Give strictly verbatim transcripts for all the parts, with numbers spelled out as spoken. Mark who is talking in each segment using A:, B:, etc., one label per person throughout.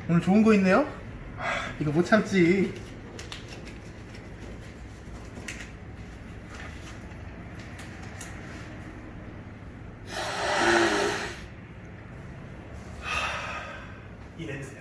A: 오늘 좋은 거 있네요? 하, 이거 못 참지. 이 냄새야.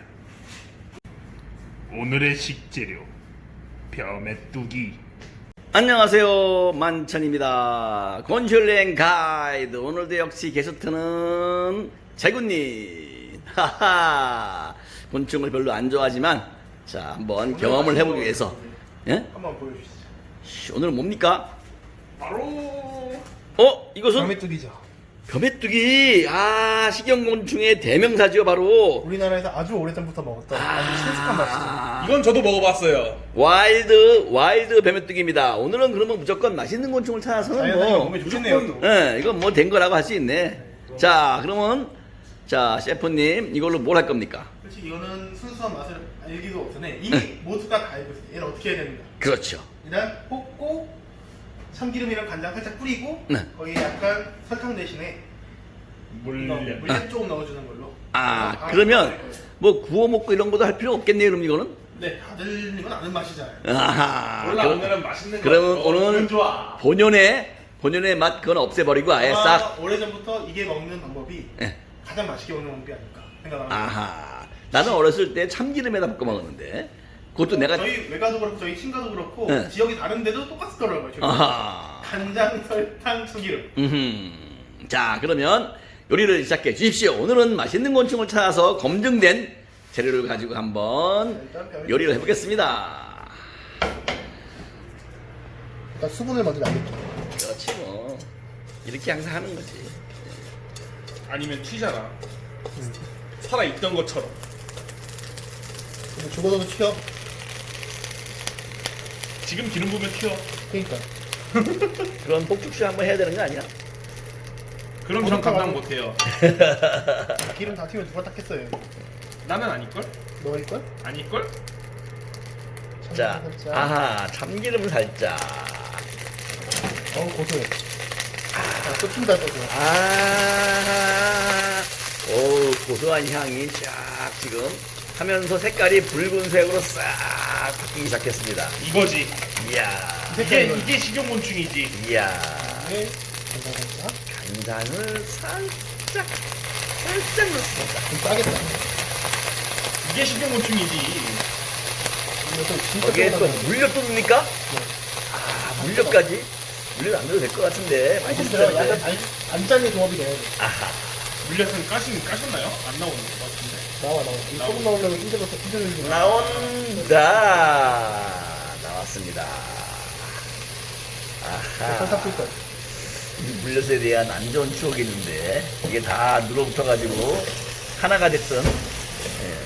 B: 오늘의 식재료 벼메뚜기.
C: 안녕하세요, 만천입니다. 곤슐랭 가이드. 오늘도 역시 게스트는 재군님. 하하. 곤충을 별로 안 좋아하지만 자 한번 경험을 해보기 위해서 예?
A: 한번 보여주시죠.
C: 씨, 오늘은 뭡니까?
B: 바로
C: 어? 이것은
A: 벼메뚜기죠.
C: 벼메뚜기. 아, 식용곤충의 대명사죠. 바로
A: 우리나라에서 아주 오래전부터 먹었던 아주 친숙한 맛이죠.
C: 아,
B: 이건 저도 먹어봤어요.
C: 와일드 와일드 벼메뚜기입니다. 오늘은 그러면 무조건 맛있는 곤충을 찾아서는
A: 자연산이
C: 뭐
A: 몸에 좋겠네요. 또.
C: 예, 이건 뭐 된 거라고 할 수 있네. 자, 그러면 자 셰프님 이걸로 뭘 할 겁니까?
A: 솔직히 이거는 순수한 맛을 알기도 없으네. 이미 모두가 다 알고 있어요. 얘는 어떻게 해야 됩니까?
C: 그렇죠.
A: 일단 볶고 참기름이랑 간장 살짝 뿌리고
C: 네.
A: 거기 약간 설탕 대신에 이거
B: 물엿.
A: 물엿 조금 넣어주는 걸로.
C: 아,
A: 그래서
C: 그러면
A: 바로 먹을 거예요.
C: 뭐 구워 먹고 이런 것도 할 필요 없겠네요. 그럼 이거는?
A: 네, 다들 이건 아는 맛이잖아요.
C: 아하.
B: 몰라,
C: 그럼-
B: 오늘은 맛있는 거.
C: 그러면
B: 먹어.
C: 오늘
B: 기분 좋아.
C: 본연의 본연의 맛 그건 없애버리고 아예
A: 아마
C: 싹.
A: 오래전부터 이게 먹는 방법이
C: 예.
A: 가장 맛있게 먹는 방법이 아닐까 생각합니다.
C: 아하. 나는 어렸을 때 참기름에다 볶아 먹었는데 그것도 내가
A: 저희 외가도 그렇고 저희 친가도 그렇고
C: 네.
A: 지역이 다른데도 똑같더라고요. 저희.
C: 아하.
A: 간장, 설탕, 참기름.
C: 음흠. 자, 그러면 요리를 시작해 주십시오. 오늘은 맛있는 곤충을 찾아서 검증된 재료를 가지고 한번
A: 일단 벼메뚜기.
C: 요리를 해보겠습니다.
A: 일단 수분을 먼저 남길게요.
C: 그렇지 뭐. 이렇게 항상 하는 거지.
B: 아니면 튀잖아. 살아있던 것처럼.
A: 근데 죽어도 튀어.
B: 지금 기름 부으면 튀어.
A: 그러니까.
C: 그런 폭죽쇼 한번 해야 되는 거 아니야?
B: 그럼 전 감당 못해요.
A: 기름 다 튀면 누가 닦겠어요?
B: 나는 아닐걸?
A: 너가 있걸?
B: 아닐걸?
C: 자,
A: 살짝.
C: 아하, 참기름 살짝.
A: 어우 고소해. 아, 또 튄다 또.
C: 아, 오, 고소한 향이 쫙 지금 하면서 색깔이 붉은색으로 싹 바뀌기 시작했습니다.
B: 이거지.
C: 이야,
B: 이게 이게 식용곤충이지.
C: 이야.
A: 네. 간장 살짝.
C: 간장을 살짝, 살짝 넣습니다.
A: 좀 짜겠다.
B: 이게 식용곤충이지.
A: 이거 또 진짜
C: 거기에 또
A: 시원하네.
C: 물엿도 넣습니까? 아, 물엿까지? 물엿 안 넣어도 될 것 같은데.
A: 진짜
C: 맛있을
A: 약간
C: 텐데.
A: 안, 안 짜는 조합이 돼야 돼.
C: 아하.
B: 물엿은 까신 까셨나요? 안 나오는 것 같은데.
A: 나와 나와. 이
B: 나와.
A: 소금 나오려면 힘들어서 힘들어서.
C: 나온다. 나왔습니다.
A: 설탕
C: 아하.
A: 뿌릴 거야.
C: 이 물엿에 대한 안 좋은 추억이 있는데 이게 다 눌어붙어가지고 하나가 됐던. 예.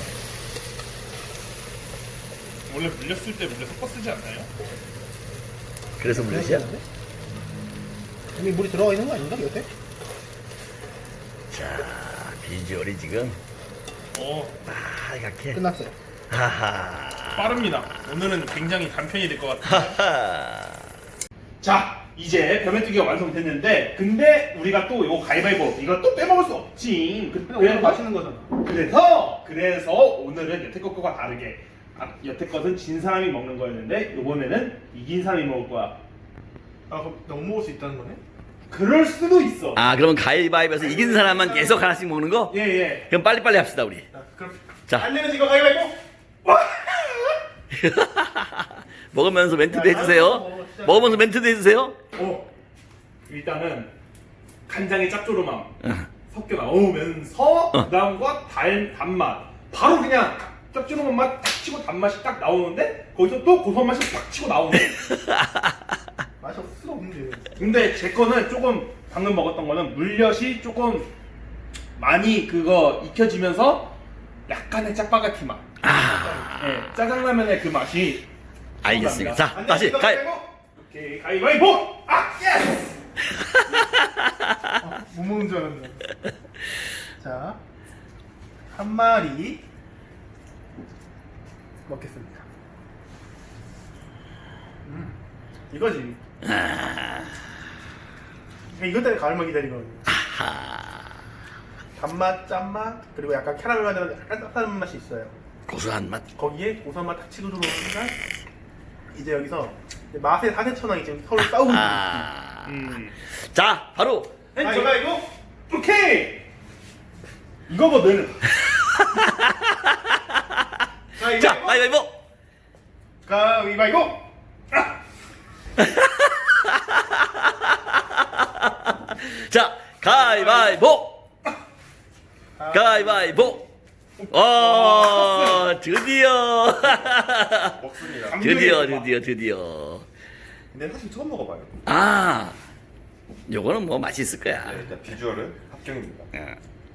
B: 원래 물엿 쓸 때 물엿 섞어 쓰지 않나요?
C: 그래서 물엿이야?
A: 이미 물이 들어가 있는 거 아닌가 요새?
C: 자, 비주얼이 지금
B: 어,
C: 빨갛게.
A: 끝났어요.
C: 하하.
B: 빠릅니다. 오늘은 굉장히 간편이 될 것 같아요.
C: 하하.
B: 자, 이제 벼메뚜기가 완성됐는데, 근데 우리가 또 이거 가위바위보 이거 또 빼먹을 수 없지. 그-
A: 오늘 맛있는 거잖아.
B: 그래서 그래서 오늘은 여태 것과 다르게 아, 여태 것은 진 사람이 먹는 거였는데 이번에는 이긴 사람이 먹을 거야.
A: 아 그럼 너무 먹을 수 있다는 거네?
B: 그럴 수도 있어.
C: 아, 그러면 가위바위보에서 이긴 사람만 계속 하나씩 먹는 거?
B: 예 예.
C: 그럼 빨리빨리 합시다, 우리.
A: 자 그럼
C: 자.
A: 안 되면 이거 가위바위보. 와!
C: 먹으면서 멘트도 해주세요. 먹으면서 멘트도 해주세요.
B: 어. 일단은 간장의 짭조름함
C: 응.
B: 섞여 나오면서
C: 어.
B: 그다음과 달 단맛 바로 그냥 짭조름한 맛 딱 치고 단맛이 딱 나오는데 거기서 또 고소한 맛이 딱 치고 나오는.
A: 맛이 없을 수가 없는데.
B: 근데 제 거는 조금 방금 먹었던 거는 물엿이 조금 많이 그거 익혀지면서 약간의 짜파게티 맛.
C: 아,
B: 예, 짜장라면의 그 맛이.
C: 알겠습니다. 자,
A: 안
C: 다시
A: 되면
C: 가위.
A: 가위바위보.
B: 오케이 가위바위보. 아 예스.
A: 아, 못 먹는 줄 알았네. 자, 한 마리 먹겠습니다. 음, 이거지.
C: 아,
A: 이것 때문에 가을만 기다리거든요.
C: 아하.
A: 단맛, 짠맛, 그리고 약간 캐러멜 맛이랑 약간 쌉싸름 맛이 있어요.
C: 고소한 맛.
A: 거기에 고소한 맛 딱 치고 들어오니까 이제 여기서 이제 맛의 사대천왕이 지금 서로 싸우고 있는
C: 아.
B: 음.
C: 자, 바로
A: 아, 이거 이거
B: 오케이. 이거거든.
A: 자 이거
C: 자,
A: 이거
C: 가위바위보.
A: 가위바위보.
C: 자, 가위바위보. 가위바위보. 어, 드디어.
D: 먹습니다.
C: 드디어, 드디어, 드디어.
D: 근데 사실 처음 먹어봐요.
C: 아, 요거는 뭐 맛있을 거야.
D: 네, 일단 비주얼은 합격입니다.
C: 예.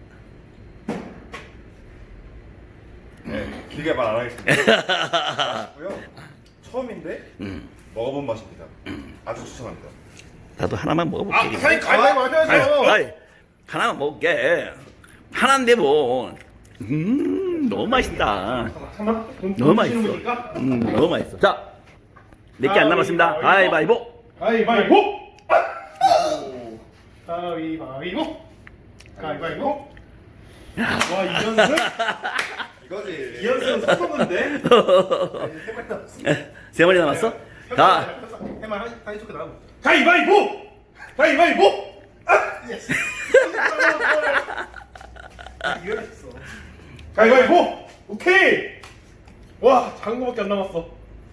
D: 네, 길게 말 안 하겠습니다. 맛있고요. 처음인데
C: 음,
D: 먹어본 맛입니다. 아주 추천합니다.
C: 나도 하나만 먹어볼게.
B: 아, 사장님 가위바위보 하셔야죠.
C: 아이, 하나만 먹을게. 하나인데 뭐. 음, 너무 맛있다.
B: 잠깐만. 돈-
C: 너무
B: 돈 주시는
C: 맛있어.
B: 분이니까.
C: 음, 너무 맛있어. 자, 몇 개 안 남았습니다. 가위바위보.
B: 가위바위보.
A: 가위바위보. 가위바위보.
B: 와, 이연승?
D: 이거지.
B: 이연승 섞었는데?
A: 세 마리 남았어.
C: 세 마리 남았어? 가.
A: 해만 사이 좋게 나가고.
B: 가위바위보. 가위바위보.
A: 예스. 이거 있어.
B: 가위바위보. 오케이. 와, 작은 거밖에 안 남았어.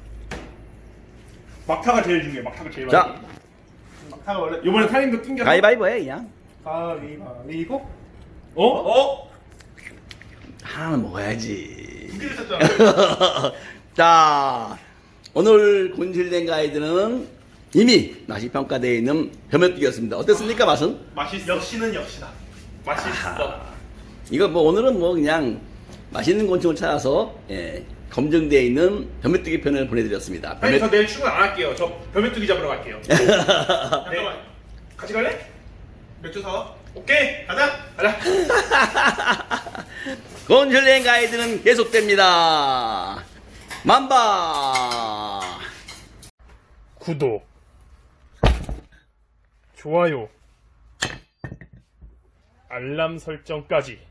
B: 막타가 제일 중요해. 막타가 제일
C: 자.
B: 많이.
A: 막타가 원래
B: 이번에 타임도 낑겨.
C: 가위바위보 해, 그냥.
A: 가위바위보.
B: 어? 어?
C: 하나는 먹어야지.
A: 두 개를 쳤잖아.
C: 자, 오늘 곤실된 가이드는 이미 맛이 평가되어 있는 벼메뚜기였습니다. 어땠습니까, 맛은?
B: 맛있어.
A: 역시는 역시다.
B: 맛있어.
C: 이거 뭐 오늘은 뭐 그냥 맛있는 곤충을 찾아서 예, 검증되어 있는 벼메뚜기 편을 보내드렸습니다.
B: 아니,
C: 벼메-
B: 저 내일 출근 안 할게요. 저 벼메뚜기 잡으러 갈게요.
A: 잠깐만.
B: 같이 갈래?
A: 맥주 사와.
B: 오케이.
A: 가자.
B: 가자.
C: 곤실된 가이드는 계속됩니다. 만바!
B: 구독, 좋아요, 알람 설정까지.